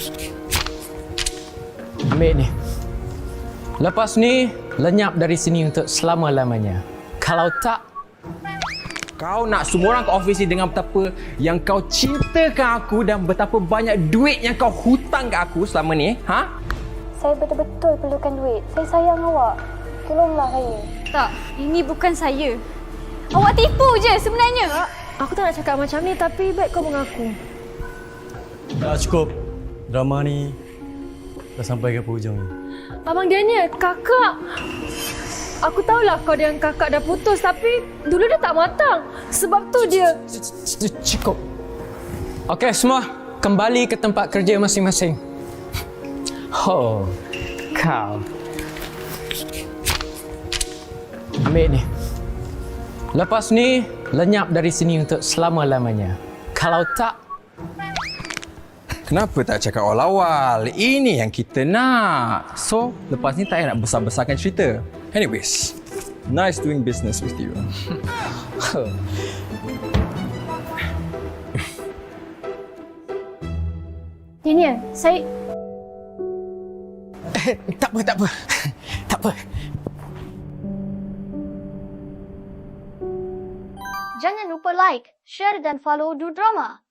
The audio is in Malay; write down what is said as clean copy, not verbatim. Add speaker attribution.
Speaker 1: Ambil ni. Lepas ni, lenyap dari sini untuk selama-lamanya. Kalau tak, kau nak semua orang ke office ni dengan betapa yang kau cintakan aku dan betapa banyak duit yang kau hutang ke aku selama ni, ha?
Speaker 2: Saya betul-betul perlukan duit. Saya sayang awak. Tolonglah saya.
Speaker 3: Tak, ini bukan saya. Awak tipu je sebenarnya.
Speaker 2: Aku tak nak cakap macam ni tapi baik kau mengaku.
Speaker 4: Dah cukup. Drama ni dah sampai ke hujung ni.
Speaker 2: Abang Daniel, kakak. Aku tahulah kau dengan kakak dah putus tapi dulu dia tak matang. Sebab tu dia...
Speaker 1: Cukup. Okey, semua kembali ke tempat kerja masing-masing. Oh, kau. Ambil ni. Lepas ni, lenyap dari sini untuk selama-lamanya. Kalau tak,
Speaker 5: Kenapa tak cakap awal-awal? Ini yang kita nak. So, lepas ni tak payah nak besar-besarkan cerita. Anyways, nice doing business with you.
Speaker 2: Daniel, saya...
Speaker 1: tak apa. Tak apa.
Speaker 6: Jangan lupa like, share dan follow Du Drama.